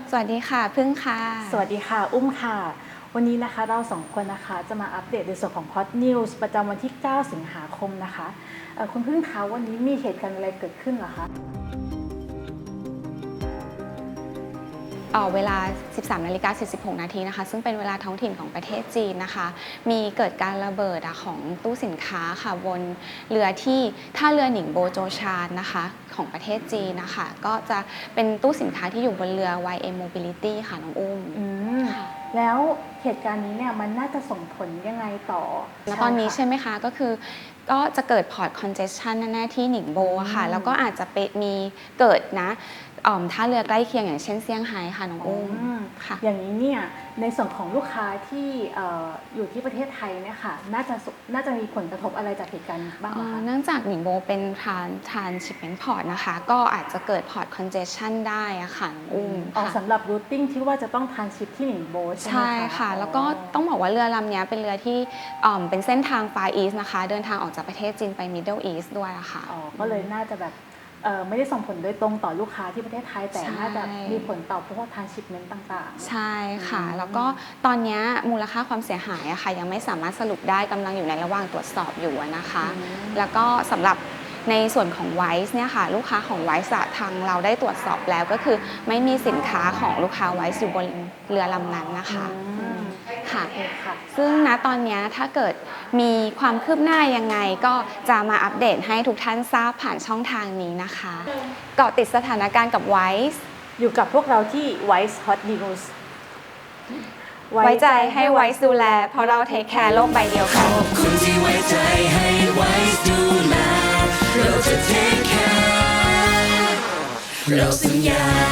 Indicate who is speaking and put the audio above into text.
Speaker 1: สวัสดีค่ะพึ่งค่ะ
Speaker 2: สวัสดีค่ะอุ้มค่ะวันนี้นะคะเราสองคนนะคะจะมาอัปเดตในส่วนของ Hot News ประจำวันที่ 9 สิงหาคมนะคะคุณพึ่งคะวันนี้มีเหตุการณ์อะไรเกิดขึ้นเหรอคะ
Speaker 1: เวลา 13:46 นาทีนะคะซึ่งเป็นเวลาท้องถิ่นของประเทศจีนนะคะมีเกิดการระเบิดของตู้สินค้าค่ะบนเรือที่ท่าเรือหนิงโบโจชานนะคะของประเทศจีนนะคะก็จะเป็นตู้สินค้าที่อยู่บนเรือ YM Mobility ค่ะน้องอุ้ม
Speaker 2: แล้วเหตุการณ์นี้เนี่ยมันน่าจะส่งผลยังไงต่อ
Speaker 1: แล้วตอนนี้ใช่ไหมคะก็คือก็จะเกิด Port Congestion แน่ๆที่หนิงโบค่ะแล้วก็อาจจะมีเกิดนะท่าเรือใกล้เคียงอย่างเช่นเซี่ยงไฮ้ค่ะน้องอุ้ม
Speaker 2: ค่ะอย่างนี้เนี่ยในส่วนของลูกค้าที่อยู่ที่ประเทศไทยเนี่ยค่ะน่าจะมีผลกระทบอะไรจากเหตุการณ์บ้างคะ
Speaker 1: เนื่องจากหนิงโบเป็นTransshipment Port นะคะก็อาจจะเกิด Port Congestion ได้อะค่ะน้องอุ้ม
Speaker 2: สำหรับ routing ที่ว่าจะต้องทรานชิปที่หนิงโบใช่ไหมคะ
Speaker 1: ใช่ค่ะแล้วก็ต้องบอกว่าเรือลำนี้เป็นเรือที่เป็นเส้นทาง Far East นะคะเดินทางออกจากประเทศจีนไป Middle East ด้วยอะค่ะ
Speaker 2: ก็เลยน่าจะแบบไม่ได้ส่งผลโดยตรงต่อลูกค้าที่ประเทศไทยแต่น่าจะมีผลต่อพวกทรานชิปเมนต์ต่าง
Speaker 1: ๆใช่ค่ะแล้วก็ตอนนี้มูลค่าความเสียหายอะค่ะยังไม่สามารถสรุปได้กำลังอยู่ในระหว่างตรวจสอบอยู่นะคะแล้วก็สำหรับในส่วนของไวซ์เนี่ยค่ะลูกค้าของไวซ์ทางเราได้ตรวจสอบแล้วก็คือไม่มีสินค้าของลูกค้าไวซ์อยู่บนเรือลำนั้นนะคะค่ะซึ่งณตอนนี้ถ้าเกิดมีความคืบหน้ายังไงก็จะมาอัปเดตให้ทุกท่านทราบผ่านช่องทางนี้นะคะเกาะติดสถานการณ์กับไวซ์
Speaker 2: อยู่กับพวกเราที่ Wise Hot News
Speaker 1: ไว้ใจให้ไวซ์ดูแลเพราะเราเทคแคร์โลกใบเดียวกัน
Speaker 3: ขอบคุณที่ไว้ใจให้ไวซ์ดูแลเราจะเทคแคร์เราสัญญา